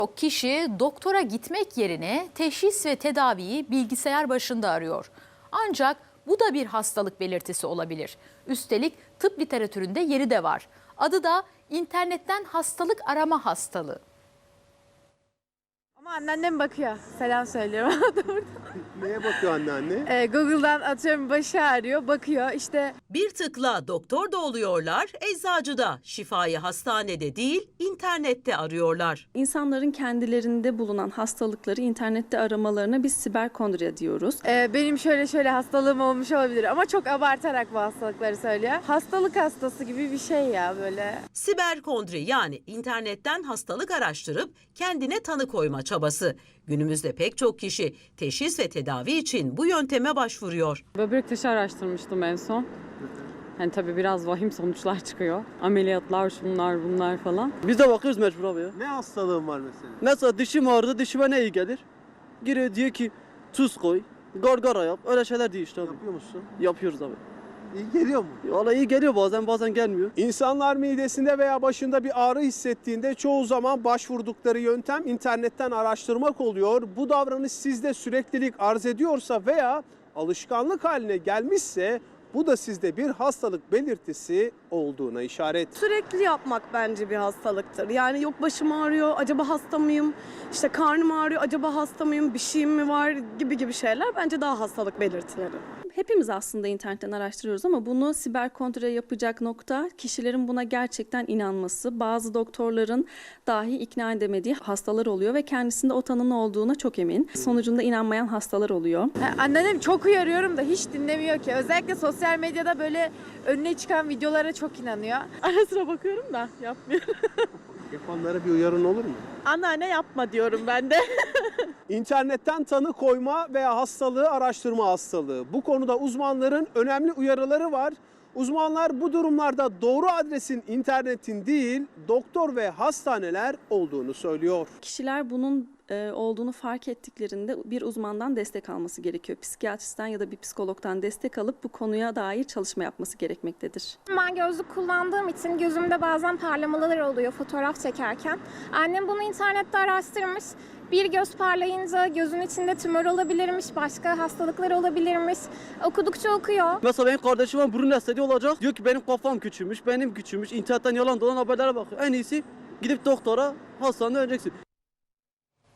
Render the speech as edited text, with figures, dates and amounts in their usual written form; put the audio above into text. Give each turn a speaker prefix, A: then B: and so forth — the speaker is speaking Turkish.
A: Kişi doktora gitmek yerine teşhis ve tedaviyi bilgisayar başında arıyor. Ancak bu da bir hastalık belirtisi olabilir. Üstelik tıp literatüründe yeri de var. Adı da internetten hastalık arama hastalığı.
B: Ama anneannem bakıyor. Selam söylüyorum.
C: Neye bakıyor anneanne?
B: Google'dan atıyorum başı ağrıyor, bakıyor işte.
D: Bir tıkla doktor da oluyorlar, eczacı da. Şifayı hastanede değil, internette arıyorlar.
E: İnsanların kendilerinde bulunan hastalıkları internette aramalarına biz siberkondri diyoruz.
B: Benim şöyle hastalığım olmuş olabilir ama çok abartarak bu hastalıkları söylüyor. Hastalık hastası gibi bir şey ya böyle.
D: Siberkondri yani internetten hastalık araştırıp kendine tanı koyma çabası. Günümüzde pek çok kişi teşhis ve tedavi için bu yönteme başvuruyor.
F: Böbrek taşı araştırmıştım en son. Yani tabii biraz vahim sonuçlar çıkıyor. Ameliyatlar, şunlar, bunlar falan.
G: Biz de bakıyoruz mecbur abi ya.
C: Ne hastalığın var mesela?
G: Mesela dişim ağrıdı, dişime ne iyi gelir? Giriyor diyor ki tuz koy, gargara yap, öyle şeyler diyor işte abi.
C: Yapıyor musun?
G: Yapıyoruz abi.
C: İyi geliyor mu?
G: Valla iyi geliyor bazen gelmiyor.
C: İnsanlar midesinde veya başında bir ağrı hissettiğinde çoğu zaman başvurdukları yöntem internetten araştırmak oluyor. Bu davranış sizde süreklilik arz ediyorsa veya alışkanlık haline gelmişse bu da sizde bir hastalık belirtisi olduğuna işaret.
H: Sürekli yapmak bence bir hastalıktır. Yani yok başım ağrıyor, acaba hasta mıyım? İşte karnım ağrıyor, acaba hasta mıyım? Bir şeyim mi var gibi şeyler bence daha hastalık belirtileri.
E: Hepimiz aslında internetten araştırıyoruz ama bunu siberkontre yapacak nokta kişilerin buna gerçekten inanması. Bazı doktorların dahi ikna edemediği hastalar oluyor ve kendisinde o tanının olduğuna çok emin. Sonucunda inanmayan hastalar oluyor.
B: Anneannem çok uyarıyorum da hiç dinlemiyor ki. Özellikle sosyal medyada böyle önüne çıkan videolara çok inanıyor.
H: Ara sıra bakıyorum da yapmıyorum.
C: Yapanlara bir uyarın olur mu?
H: Anneanne yapma diyorum ben de.
C: İnternetten tanı koyma veya hastalığı araştırma hastalığı. Bu konuda uzmanların önemli uyarıları var. Uzmanlar bu durumlarda doğru adresin internetin değil, doktor ve hastaneler olduğunu söylüyor.
E: Kişiler bunun olduğunu fark ettiklerinde bir uzmandan destek alması gerekiyor. Psikiyatristten ya da bir psikologdan destek alıp bu konuya dair çalışma yapması gerekmektedir.
I: Ben gözlük kullandığım için gözümde bazen parlamalar oluyor fotoğraf çekerken. Annem bunu internette araştırmış. Bir göz parlayınca gözün içinde tümör olabilirmiş, başka hastalıklar olabilirmiş. Okudukça okuyor.
G: Mesela benim kardeşime burun estetiği olacak. Diyor ki benim kafam küçülmüş, benim küçülmüş. İnternetten yalan dolan haberlere bakıyor. En iyisi gidip doktora, hastanede öleceksin.